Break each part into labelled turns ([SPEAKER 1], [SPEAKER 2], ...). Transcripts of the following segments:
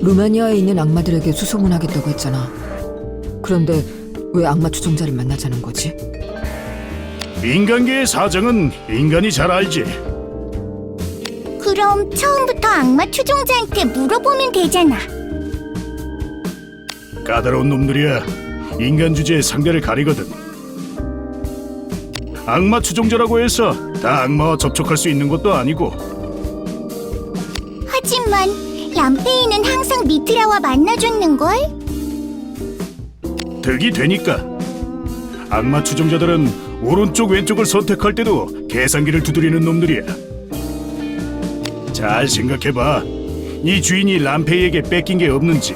[SPEAKER 1] 루마니아에 있는 악마들에게 수소문하겠다고 했잖아. 그런데 왜 악마 추종자를 만나자는 거지?
[SPEAKER 2] 인간계의 사정은 인간이 잘 알지.
[SPEAKER 3] 그럼 처음부터 악마 추종자한테 물어보면 되잖아.
[SPEAKER 2] 까다로운 놈들이야. 인간 주제에 상대를 가리거든. 악마 추종자라고 해서 다 악마와 접촉할 수 있는 것도 아니고.
[SPEAKER 3] 하지만 람페이는 항상 미트라와 만나줬는걸?
[SPEAKER 2] 득이 되니까. 악마 추종자들은 오른쪽 왼쪽을 선택할 때도 계산기를 두드리는 놈들이야. 잘 생각해봐. 네 주인이 람페이에게 뺏긴 게 없는지.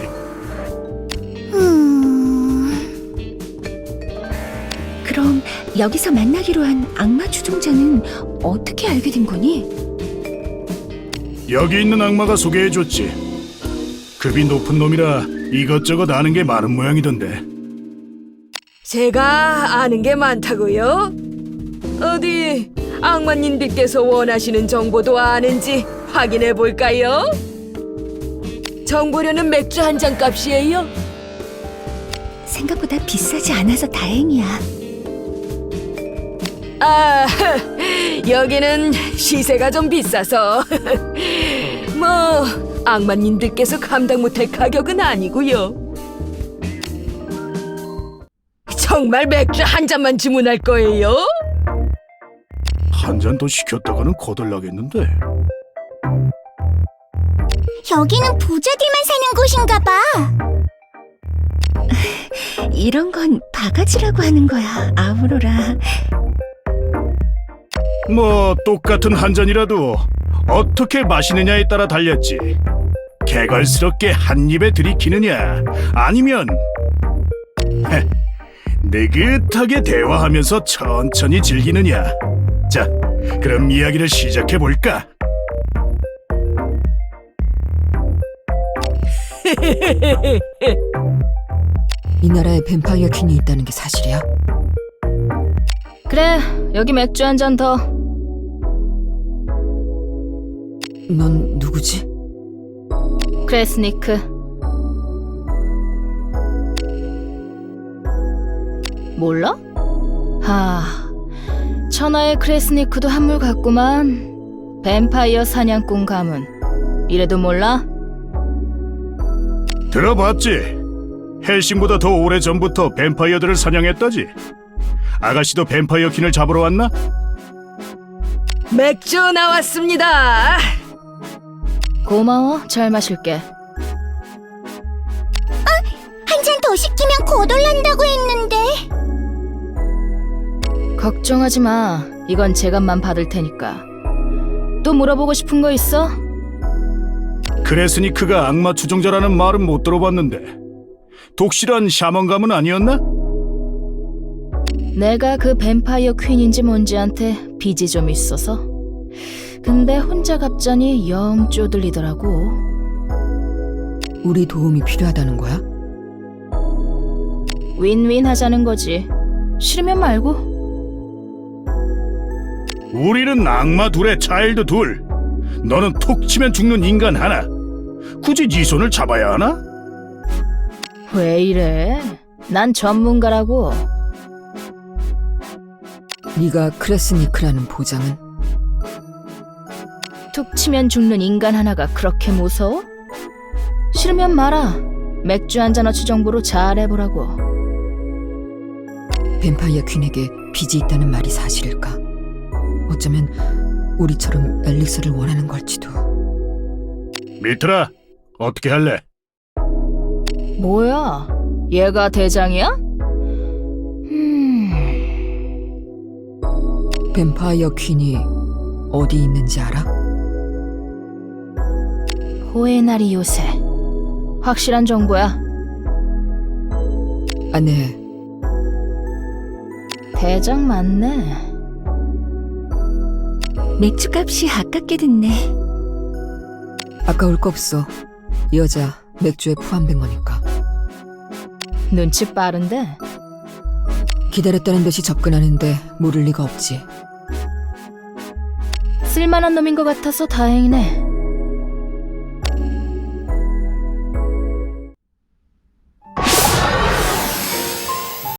[SPEAKER 4] 그럼 여기서 만나기로 한 악마 추종자는 어떻게 알게 된 거니?
[SPEAKER 2] 여기 있는 악마가 소개해줬지. 급이 높은 놈이라 이것저것 아는 게 많은 모양이던데.
[SPEAKER 5] 제가 아는 게 많다고요? 어디 악마님들께서 원하시는 정보도 아는지 확인해 볼까요? 정보료는 맥주 한 잔 값이에요.
[SPEAKER 4] 생각보다 비싸지 않아서 다행이야.
[SPEAKER 5] 아, 여기는 시세가 좀 비싸서 뭐 악마님들께서 감당 못할 가격은 아니고요. 정말 맥주 한 잔만 주문할 거예요?
[SPEAKER 2] 한 잔 더 시켰다가는 거덜나겠는데.
[SPEAKER 3] 여기는 부자들만 사는 곳인가 봐.
[SPEAKER 4] 이런 건 바가지라고 하는 거야, 아우로라.
[SPEAKER 2] 뭐 똑같은 한 잔이라도 어떻게 마시느냐에 따라 달렸지. 개걸스럽게 한 입에 들이키느냐 아니면 느긋하게 대화하면서 천천히 즐기느냐. 자, 그럼 이야기를 시작해볼까?
[SPEAKER 1] 이 나라에 뱀파이어 퀸이 있다는 게 사실이야?
[SPEAKER 6] 그래, 여기 맥주 한 잔 더.
[SPEAKER 1] 넌 누구지?
[SPEAKER 6] 크레스니크. 몰라? 천하의 크레스니크도 한물 같구만. 뱀파이어 사냥꾼 가문. 이래도 몰라?
[SPEAKER 2] 들어봤지? 헬싱보다 더 오래전부터 뱀파이어들을 사냥했다지? 아가씨도 뱀파이어 퀸을 잡으러 왔나?
[SPEAKER 5] 맥주 나왔습니다.
[SPEAKER 6] 고마워, 잘 마실게.
[SPEAKER 3] 한 잔 더 시키면 거덜난다고 했는데.
[SPEAKER 6] 걱정하지 마. 이건 제값만 받을 테니까. 또 물어보고 싶은 거 있어?
[SPEAKER 2] 크레스니크가 악마 추종자라는 말은 못 들어봤는데 독실한 샤먼 가문 아니었나?
[SPEAKER 6] 내가 그 뱀파이어 퀸인지 뭔지한테 빚이 좀 있어서. 근데 혼자 갑자니 영 쪼들리더라고.
[SPEAKER 1] 우리 도움이 필요하다는 거야?
[SPEAKER 6] 윈윈 하자는 거지. 싫으면 말고.
[SPEAKER 2] 우리는 악마 둘에 차일드 둘. 너는 톡 치면 죽는 인간 하나. 굳이 네 손을 잡아야 하나?
[SPEAKER 6] 왜 이래? 난 전문가라고.
[SPEAKER 1] 네가 크레스니크라는 보장은?
[SPEAKER 6] 툭 치면 죽는 인간 하나가 그렇게 무서워? 싫으면 말아. 맥주 한잔 어치 정보로 잘해보라고.
[SPEAKER 1] 뱀파이어 퀸에게 빚이 있다는 말이 사실일까? 어쩌면 우리처럼 앨리스를 원하는 걸지도.
[SPEAKER 2] 미트라, 어떻게 할래?
[SPEAKER 6] 뭐야? 얘가 대장이야?
[SPEAKER 1] 뱀파이어 퀸이 어디 있는지 알아?
[SPEAKER 6] 호에나리 요새. 확실한 정보야.
[SPEAKER 1] 아, 네.
[SPEAKER 6] 대장 맞네.
[SPEAKER 4] 맥주값이 아깝게 듣네.
[SPEAKER 1] 아까울 거 없어. 이 여자 맥주에 포함된 거니까.
[SPEAKER 6] 눈치 빠른데?
[SPEAKER 1] 기다렸다는 듯이 접근하는데 모를 리가 없지.
[SPEAKER 6] 쓸만한 놈인 것 같아서 다행이네.